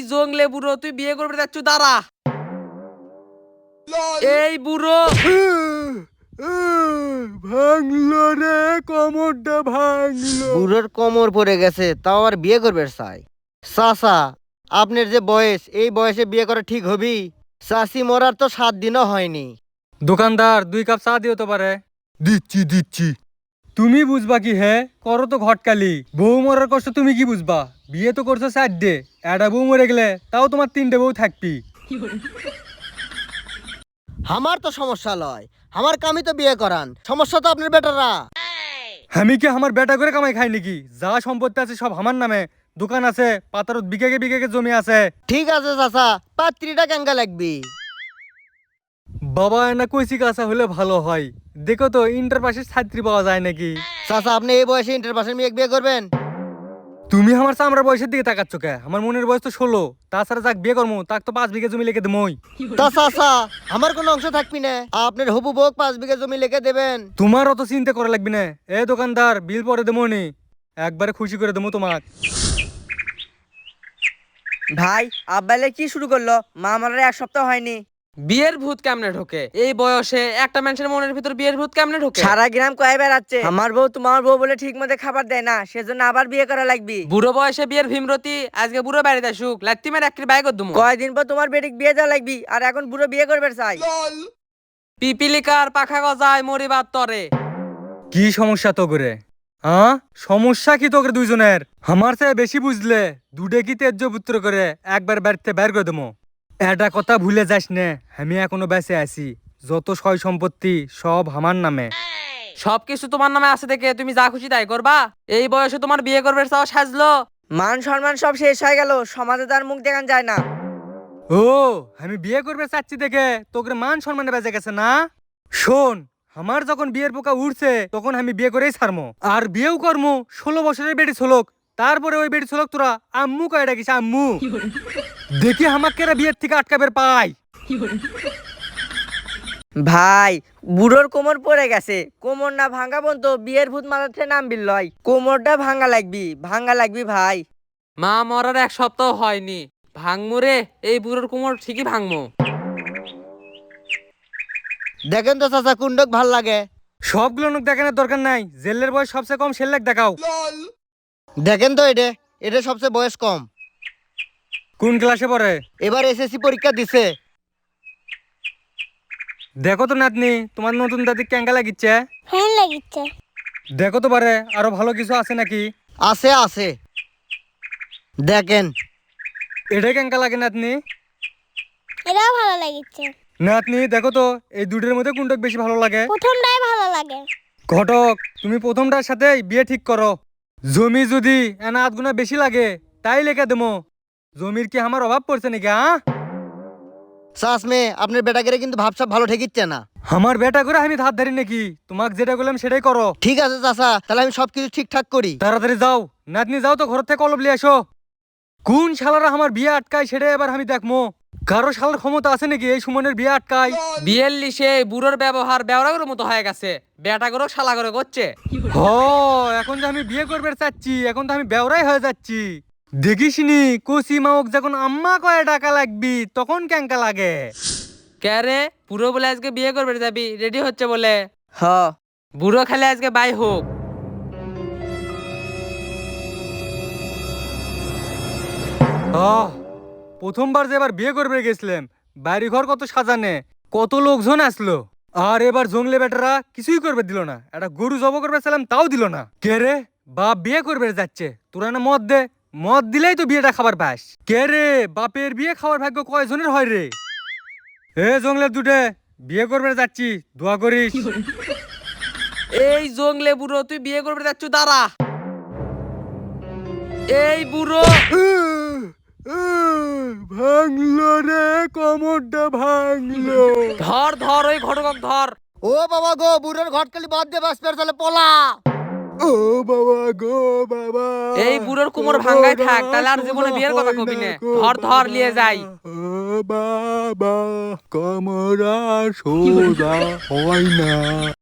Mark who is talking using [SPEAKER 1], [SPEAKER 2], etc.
[SPEAKER 1] জংলে বুড়ো, তুই বিয়ে করবে যাচ্ছ, দাঁড়া। এই বুড়ো,
[SPEAKER 2] ভাঙলো রে, কোমরটা ভাঙলো।
[SPEAKER 3] বুড়োর কোমর পড়ে গেছে, তাও আর বিয়ে করবে চাই? চাচা, আপনার যে বয়স, এই বয়সে বিয়ে করা ঠিক হবি? চাষি মরার তো 7 দিনও হয়নি।
[SPEAKER 2] দোকানদার 2 কাপ চা দিও তো পারে। দিচ্ছি দিচ্ছি। তুমি বুঝবা কি হে? করো তো ঘটকালি। বউ মরার কষ্ট তুমি কি বুঝবা? বিয়ে তো করছো 4 একটা বউ মরে গেলে তাও তোমার 3টে বউ থাকবি।
[SPEAKER 3] আমার তো সমস্যা লয়, আমার কামই তো বিয়ে করান, সমস্যা তো আপনার বেটারা।
[SPEAKER 2] আমি কি আমার বেটা করে কামাই খাই নাকি? যা সম্পত্তি আছে সব আমার নামে, দোকান আছে, পাতারত বিঘাকে বিঘাকে জমি আছে।
[SPEAKER 3] ঠিক আছে চাচা, পাত্রীটা কেঙ্গা লাগবি?
[SPEAKER 2] বাবা এনা কইছি কাঁচা হলে ভালো হয়। দেখো তো ইন্টার পাশের ছাত্রী পাওয়া যায় নাকি।
[SPEAKER 3] চাচা, আপনি এই বয়সে ইন্টার পাশের মেয়ে বিয়ে করবেন?
[SPEAKER 2] তুমি আমার চামড়ার বয়সের দিকে তাকাচ্ছ কে? আমার মনের বয়স তো 16। তাছাড়া যাক বিয়ে করবো তাক তো 5 বিঘা জমি লিখে দেবই।
[SPEAKER 3] তা চাচা, আমার কোনো অংশ থাকবি না? আপনার হবু বউ 5 বিঘা জমি লিখে দেবেন।
[SPEAKER 2] তোমার অত চিন্তা করা লাগবে না। এ দোকানদার, বিল পরে দেবো নি, একবারে খুশি করে দেবো তোমাক।
[SPEAKER 4] ভাই আব্বাইলে কি শুরু করলো? মা আমার 1 সপ্তাহ হয়নি।
[SPEAKER 1] বিয়ের ভূত কেমনে ঢোকে এই বয়সে? একটা মানুষের মনের ভিতর বিয়ের ভূত কেমনে ঢোকে?
[SPEAKER 4] সারা গ্রাম কয়ে বেড়াচ্ছে আমার বউ তোমার বউ বলে ঠিক মতো খাবার দেয় না, সেজন্য আবার বিয়ে করা লাগবে।
[SPEAKER 1] বুড়ো বয়সে বিয়ের ভীমরতি, আজকে বুড়ো বাড়িতে আসুক, লাত্তিমের একটি বাইক দুমো।
[SPEAKER 4] কয়দিন পর তোমার বেটিক বিয়ে দেওয়া লাগবে, আর এখন বুড়ো বিয়ে করবে চাই।
[SPEAKER 1] পিপিলিকার পাখা গজায় মরিবার তরে।
[SPEAKER 2] কি সমস্যা তো করে? হ্যাঁ, সমস্যা কি তোকে দুইজনের? আমার চেয়ে বেশি বুঝলে দুটে কি তেজ্য পুত্র করে একবার বাড়িতে বের করে দেবো। এটা কথা ভুলে যাস নে, আমি এখনো বেঁচে আছি। যত সয় সম্পত্তি সব আমার নামে।
[SPEAKER 1] সবকিছু তোমার নামে আছে দেখে তুমি যা খুশি তাই করবা? এই বয়সে তোমার বিয়ে করবে চাও সাজলো?
[SPEAKER 4] মান সম্মান সব শেষ হয়ে গেল, সমাজে তার মুখ দেখান যায় না।
[SPEAKER 2] ও, আমি বিয়ে করবে চাচ্ছি দেখে তোকে মান সম্মানে বেঁচে গেছে না? শোন, আমার যখন বিয়ের পোকা উঠছে তখন আমি বিয়ে করেই ছাড়মো, আর বিয়েও করমু 16 বছরের বেটি ছোলক। তারপরে ওই বেটি ছোলক তোরা আম্মু কয়ে ডাকিস আম্মু। দেখি আমাকে বিয়ের থেকে আটকাবের পাই।
[SPEAKER 4] ভাই বুড়োর কোমর পড়ে গেছে, কোমর না ভাঙা পর্যন্ত বিয়ের ভূত মাথাতে নামবি লয়। কোমরটা ভাঙা লাগবি ভাই।
[SPEAKER 1] মা মরার 1 সপ্তাহ হয়নি, ভাঙমু রে, এই বুড়োর কোমর ঠিকই ভাঙমু।
[SPEAKER 3] দেখেন তো চাচা, কুন্ডক ভাল লাগে?
[SPEAKER 2] সবগুলো লোক দেখানোর দরকার নাই, জেলের বয়স সবচেয়ে কম সেলেক দেখাও।
[SPEAKER 3] দেখেন তো, এটা এটা সবচেয়ে বয়স কম।
[SPEAKER 2] কোন ক্লাসে পড়ে?
[SPEAKER 3] এবার এসএসসি পরীক্ষা দিছে।
[SPEAKER 2] দেখো তো নাতনি, তোমার নতুন দাদি ক্যাঙ্গা লাগিচ্ছে।
[SPEAKER 5] ফ্যান লাগিচ্ছে।
[SPEAKER 2] দেখো তো পারে আরো ভালো কিছু আছে নাকি।
[SPEAKER 3] আছে আছে, দেখেন।
[SPEAKER 2] এটাই ক্যাঙ্গা লাগে নাতনি।
[SPEAKER 5] এটাও ভালো লাগিচ্ছে।
[SPEAKER 2] নাতনি দেখো তো, এই দুটোর মধ্যে কোনটা বেশি ভালো লাগে?
[SPEAKER 5] প্রথমটাই ভালো লাগে।
[SPEAKER 2] ঘটক, তুমি প্রথমটার সাথে বিয়ে ঠিক করো। জমি যদি এনা 8 গুণা বেশি লাগে তাই লেখা দেবো। জমির কি আমার অভাব পড়ছে নাকি?
[SPEAKER 3] চাষ মেয়ে, আপনার বেটাকে কিন্তু ভাবসাব ভালো ঠেকিচ্ছে না।
[SPEAKER 2] আমার বেটা করে আমি ধার ধারি নাকি? তোমাকে যেটা বললাম সেটাই করো।
[SPEAKER 3] ঠিক আছে চাচা, তাহলে আমি সবকিছু ঠিকঠাক করি।
[SPEAKER 2] তাড়াতাড়ি যাও নাতনি, যাও তো ঘর থেকে কলব নিয়ে আসো। কোন শালারা আমার বিয়ে আটকায় সেটা এবার আমি দেখবো। কারো শালার ক্ষমতা আছে নাকি এই সুমনের বিয়ে আটকায়?
[SPEAKER 1] বিয়ের লিসে বুড়োর ব্যবহার বেওরাগের মতো হয়ে গেছে, বেটা করে শালা করে করছে।
[SPEAKER 2] হ, এখন যে আমি বিয়ে করবে চাচ্ছি, এখন তো আমি বেওরাই হয়ে যাচ্ছি। দেখিসনি কচি মাওক যখন আম্মা কয়ে টাকা লাগবি তখন ক্যাঙ্কা লাগে।
[SPEAKER 1] কে রে, বুড়ো বলে আজকে বিয়ে করবে যাবি, রেডি হচ্ছে বলে?
[SPEAKER 4] হ,
[SPEAKER 1] বুড়ো খেলে আজকে বাই হোক।
[SPEAKER 2] আহ, প্রথমবার যে এবার বিয়ে করবে গেছিলাম, বাড়ি ঘর কত সাজানে, কত লোকজন আসলো, আর এবার জংলে বেটারা কিছুই করবে দিল না। একটা গরু জব করবে ছিলাম তাও দিল না। কে রে, বাপ বিয়ে করবে যাচ্ছে, তোরা না মদ দে, মদ দিলেই তো বিয়েটা খাবার পাস। কে রে, বাপের বিয়ে খাওয়ার ভাগ্য কয়জনের হয় রে? এ জংলের দুটে, বিয়ে করবে যাচ্ছি, দোয়া করিস।
[SPEAKER 1] এই জংলে বুড়ো, তুই বিয়ে করবে যাচ্ছ, দাঁড়া। এই বুড়ো,
[SPEAKER 2] ভাঙলো রে, কোমরটা ভাঙলো।
[SPEAKER 1] ধর ধর ওই ঘটক ধর।
[SPEAKER 3] ও বাবা গো, বুড়োর ঘটকালি বাদ দিয়ে বাস পের চলে পলা।
[SPEAKER 2] ও বাবা গো বাবা,
[SPEAKER 1] এই বুড়োর কোমর ভাঙ্গাই থাক, তাহলে আর জীবনে বিয়ের কথা কবি না। ধর ধর নিয়ে যাই।
[SPEAKER 2] ও বাবা, কোমর আর সোজা হয় না।